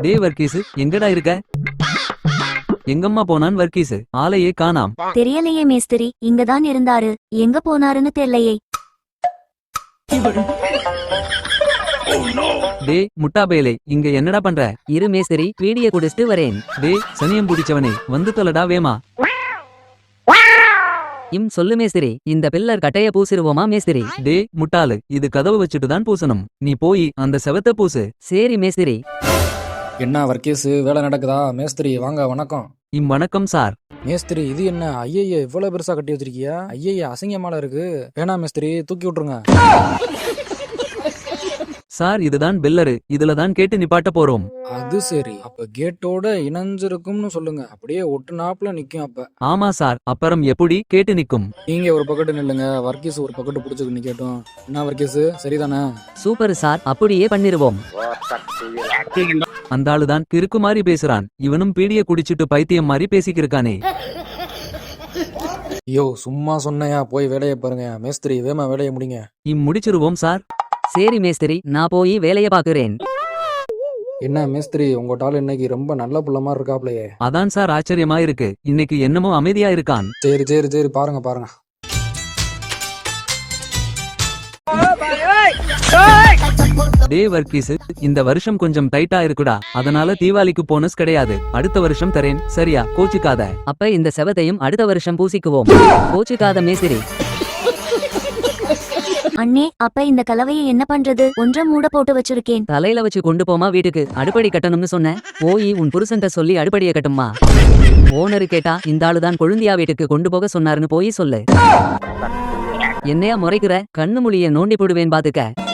டேய் வர்க்கீஸ், எங்கடா இருக்க? எங்கம்மா போனான் வர்க்கீஸ்? ஆளையே காணாம். தெரியலையே மேஸ்திரி, இங்கதான் இருந்தாரு. எங்க போனாருன்னு தெரியலையே. டேய் முட்டாபேலே, இங்க என்னடா பண்ற? இரு மேஸ்திரி, வீடியோ குடிச்சிட்டு வரேன். டேய் சனியம் பிடிச்சவனே, வந்து தொலைடா வேமா. சொல்லு மேஸ்திரி, இந்த பில்லர் கட்டைய பூசிருவோமா மேஸ்திரி? டேய் முட்டாளு, இது கதவு வச்சுட்டு தான் பூசணும். நீ போய் அந்த செவத்த பூசு. சரி மேஸ்திரி. என்ன வர்க்கீஸ், வேலை நடக்குதா? மேஸ்திரி வாங்க, வணக்கம். வணக்கம் சார். மேஸ்திரி இது என்ன ஐயய்ய இவ்வளவு பெருசா கட்டி வச்சிருக்கியா? ஐயய்ய அசிங்கமால இருக்கு. வேணா மேஸ்திரி, தூக்கி விட்டுருங்க. சார் இதுதான் பெல்லரு, இதுல தான் கேட்டு நிப்பாட்ட போறோம். அது சரி, அப்ப கேட்டோட இணைஞ்சிருக்கும்னு சொல்லுங்க. அப்படியே ஒட்டு நாப்புல நிக்கும். அப்ப ஆமா சார், அப்புறம் எப்படி கேட்டு நிக்கும்? நீங்க ஒரு பக்கெட்டு நில்லுங்க, வர்க்கீஸ் ஒரு பக்கெட்டு புடிச்சுக்கு நிக்கட்டும். என்ன வர்க்கீஸ், சரிதானே? சூப்பர் சார், அப்படியே பண்ணிருவோம். அந்த ஆளுதான் கிறுக்கு மாதிரி பேசுறான். இவனும் பீடிய குடிச்சிட்டு பைத்தியம் மாதிரி பேசிக்கிருக்கானே. ஐயோ சும்மா சொன்னையா, போய் வேலையை பாருங்க. மேஸ்திரி வேமா வேலையை முடிங்க. முடிச்சிருவோம் சார். சரி மேஸ்திரி, நான் போய் வேலையை பாக்குறேன். என்ன மேஸ்திரி, உங்கட்டால இன்னைக்கு ரொம்ப நல்ல புள்ள மாதிரி இருக்காப்லையே. அதான் சார் ஆச்சரியமா இருக்கு. இன்னைக்கு என்னமோ அமைதியா இருக்கான். சரி சரி சரி, பாருங்க பாருங்க. டேய் வர்க்கீஸ், இந்த வருஷம் கொஞ்சம் டைட்டா இருக்குடா. அதனால தீபாவளிக்கு போனஸ் கிடையாது. அடுத்த வருஷம் தரேன், சரியா? கோச்சுக்காத. அப்ப இந்த செவத்தையும் அடுத்த வருஷம் பூசிக்குவோம். கோச்சுக்காத மேஸ்திரி. அண்ணே, அப்ப இந்த கலவையை என்ன பண்றது? ஒன்றை மூட போட்டு வச்சிருக்கேன். தலையில வச்சு கொண்டு போமா வீட்டுக்கு. அடுப்படி கட்டணும்னு சொன்ன, போய் உன் புருஷன்ட்ட சொல்லி அடுப்படிய கட்டுமா. ஓனரு கேட்டா இந்த ஆளுதான் கொழுந்தியா வீட்டுக்கு கொண்டு போக சொன்னாருன்னு போய் சொல்லு. என்னையா முறைக்கிற? கண்ணு மொழிய நோண்டி போடுவேன் பாத்துக்க.